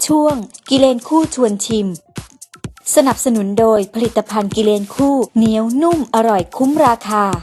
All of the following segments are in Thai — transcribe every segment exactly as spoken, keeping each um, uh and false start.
ช่วงกิเลนคู่ชวนชิมสนับสนุนโดยผลิตภัณฑ์กิเลนคู่เหนียวนุ่มอร่อยคุ้มราคา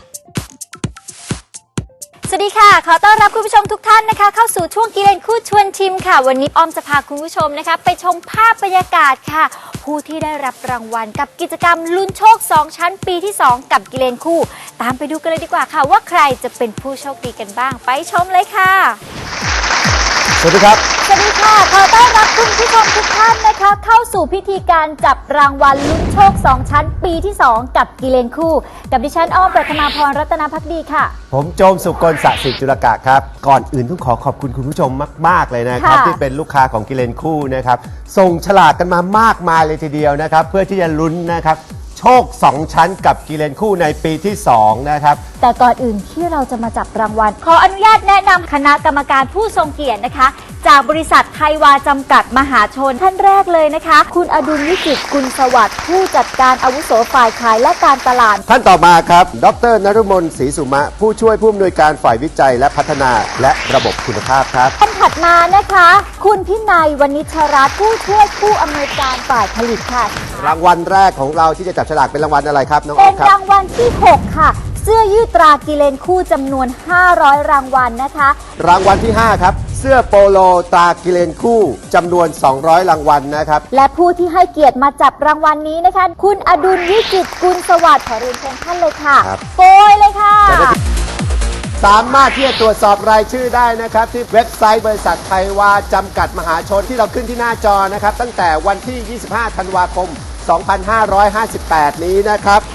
สวัสดีค่ะขอต้อนรับคุณผู้ชมทุกท่านนะคะเข้าสู่ช่วงกิเลนคู่ชวนชิมค่ะวันนี้อ้อมจะพาคุณผู้ชมนะคะไปชมภาพบรรยากาศค่ะผู้ที่ได้รับรางวัลกับกิจกรรมลุ้นโชคสองชั้นปีที่สองกับกิเลนคู่ตามไปดูกันเลยดีกว่าค่ะว่าใครจะเป็นผู้โชคดีกันบ้างไปชมเลยค่ะสวัสดีครับสวัสดีค่ะขอต้อนรับคุณผู้ชมทุกท่านนะคะเข้าสู่พิธีการจับรางวัลลุ้นโชคสองชั้นปีที่สองกับกิเลนคู่กับดิฉันอ้อมปฐมาพรรัตนภักดีค่ะผมโจมสุกลสศิจุลกะครับก่อนอื่นต้องขอขอบคุณคุณผู้ชมมากๆเลยนะครับที่เป็นลูกค้าของกิเลนคู่นะครับส่งฉลากกันมามากมายเลยทีเดียวนะครับเพื่อที่จะลุ้นนะครับโชคสองชั้นกับกิเลนคู่ในปีที่สองนะครับแต่ก่อนอื่นที่เราจะมาจับรางวัลขออนุญาตแนะนำคณะกรรมการผู้ทรงเกียรตินะคะจากบริษัทไทยวาจำกัดมหาชนท่านแรกเลยนะคะคุณอดุลวิจิตรกุลสวัสดิ์ผู้จัดการอาวุโสฝ่ายขายและการตลาดท่านต่อมาครับดร.นฤมลศรีสุมะผู้ช่วยผู้อำนวยการฝ่ายวิจัยและพัฒนาและระบบคุณภาพครับท่านถัดมานะคะคุณพินัยวณิชรัตน์ผู้ช่วยผู้อำนวยการฝ่ายผลิตค่ะรางวัลแรกของเราที่จะจับฉลากเป็นรางวัลอะไรครับน้องอ๊อฟครับเป็นรางวัลที่หกค่ะเสื้อยืดตรากิเลนคู่จำนวนห้าร้อยรางวัลนะคะรางวัลที่ห้าครับเสื้อโปโลตรากิเลนคู่จำนวนสองร้อยรางวัลนะครับและผู้ที่ให้เกียรติมาจับรางวัลนี้นะคะคุณอดุลวิจิตรกุลสวัสดิ์ขอเรียนเชิญท่านเลยค่ะโปรยเลยค่ะสามารถที่จะตรวจสอบรายชื่อได้นะครับที่เว็บไซต์บริษัทไทยวาจำกัดมหาชนที่เราขึ้นที่หน้าจอนะครับตั้งแต่วันที่ยี่สิบห้าธันวาคมสองพันห้าร้อยห้าสิบแปดนี้นะครับ